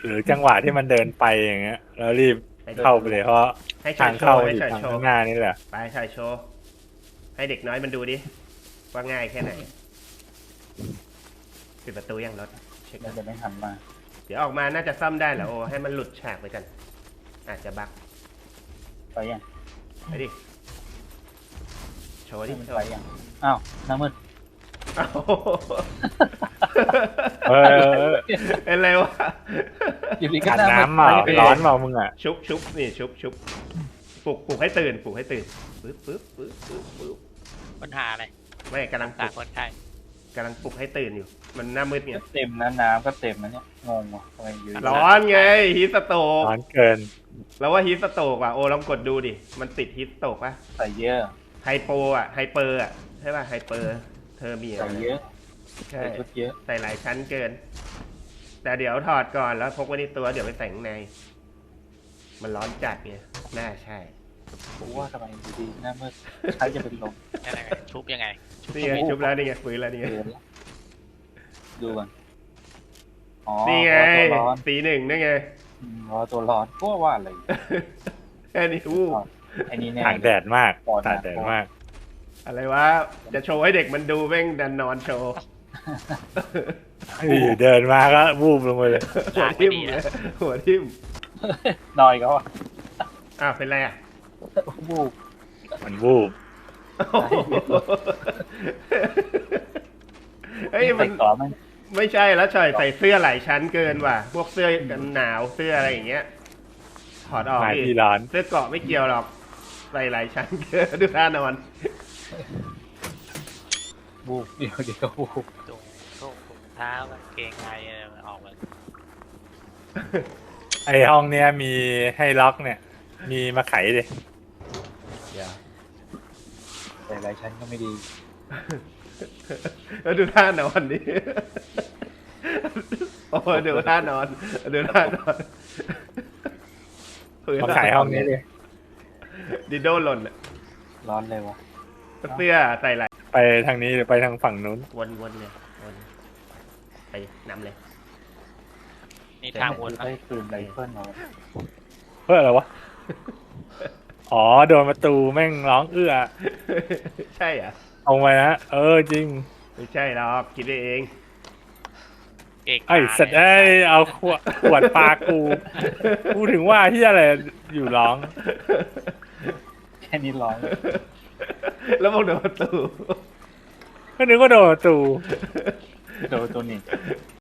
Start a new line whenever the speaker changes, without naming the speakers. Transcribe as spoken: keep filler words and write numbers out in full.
หรือจังหวะที่มันเดินไปอย่างเงี้ยแล้วรีบเข้าไปเลยเพราะ
ให้ชา
ทาย ง
โช
เข้า
ว์ให้
อยู่
ชาย
ทาง
โช
ข้า
ว์
งหน้านี่แหละ
ไปชายโชว์ให้เด็กน้อยมันดูดิว่าง่ายแค่ไหนปิดประตูยังรถเช็ค
มันจะไม่หันมา
เดี๋ยวออกมาน่าจะซ่อมได้แหละโอ้ให้มันหลุดฉากไปกันอาจจะบั๊ก
ไปยัง
ไปดิโชว์ดิ
มัน
โช
ไป
ว์
ยังอ้าวน้ำมืด
อ้าว
เออ
เป็นไรวะ
อยู่ดีก็
ขัด
หน้ามืด
น้ำเปล่า
ไป
ร้อนเปล่ามึงอ่ะ
ชุบชุบนี่ชุบชุบปลุกปลุกให้ตื่นปลุกให้ตื่นปึ๊บปึ๊บปึ๊บปึ๊บปึ๊บ
ปัญหาอะไร
ไม่กำลังปลุ
ต่าง
ก
คนไข้
กำลังปลุกให้ตื่นอยู่ มันหน้ามืดไง
เต็มนะน้ำก็เต็มนะเนี่ยงงว่ะทำไมอยู่ดี
ร้อนไงฮีทสโตก
ร้อนเกิน
แล้วว่าฮีทสโตกว่ะโอ้ลองกดดูดิมันติดฮีทสโตกป่ะ
ใส่เยอะ
ไฮโปอ่ะไฮเปอร์อ่ะใช่ป่ะไฮเปอร์เธอมีอะ
ใส่
ไร
เยอะ
ใช่
ใส่ชุดเยอะ
ใส่หลายชั้นเกิน แต่เดี๋ยวถอดก่อนแล้วพกไว้ในตัวเดี๋ยวไปใส่ข้างใน มันร้อนจัดไงน่าใช่
ผมว่าทำไมอยู่ดีหน้ามืดใช้จะเป็นลม
ยังไงชุบยังไง
นี่ไงชุบแล้วนี่ไงฟื้นแล้วนี่ไง
เกินละดูก่อนอ๋อ
นี่ไง
รอตัวร้อน
สีหนึ่งนี่ไง
อืมรอตัวร้อนก็ว่าอะไร
แค่นี้อู้
ไอ้นี่แน่
ตากแดดมาก
ปอด
ตากแดดมาก
อะไรวะจะโชว์ให้เด็กมันดูแม่งดันนอนโชว์
อยู่เดินมาก็วูบลงไปเลย
หัวทิ่มเลยหัวทิ่ม
นอยเขาอ่ะ
อ้าวเป็นไรอ่ะ
บูบ
มันวูบ
เฮ้ยมัน
ใส่ก่อมัน
ไม่ใช่แล้วใส่ใส่เสื้อหลายชั้นเกินว่ะ พวกเสื้อกันหนาวเสื้ออะไรอย่างเงี้ยถอดออก
มา
ดิ
ที่ร้าน
เสื้อเกราะไม่เกี่ยวหรอกใส่หลายชั้นเกินดูท่านอน
บูบเดี๋ยวเดี๋ยวบูบ
ถุงถุงถุงเท้ากางเกงในอะไรมันออกมา
ไอห้องเนี้ยมีให้ล็อกเนี่ย มีมาไขดิ
อย่า
ใส่หลายชั้นก็ไม่ดี
แล้วดูท่านอนดิโอ้ยดูท่านอนดูท่านอน
มาไขห้องนี้ดิ
ดิโดหล่นอะ
ร้อนเลยวะ
เสื้อใส่หลาย
ไปทางนี้หรือไปทางฝั่งนู้น
วนวนเลยวนไปนำเลย
นี่ทางวนปะ
ได้ปืนไรเฟิลมา
เพื่ออะไรวะ อ๋อโดนประตูแม่งร้องเอื้อ
ใช่อ่ะ
เอาไปนะเออจริง
ไม่ใช่หรอกคิดไปเอง
เก่ง
ไอ้สัตว์ไอ้ยเอาขวดขวดปลากูกูถึงว่าที่อะไรอยู่ร้อง
แค่นี้ร้อน
แล้วมองโดนประตู
ก็นึกว่าโดนประตู
โดนตัวนี้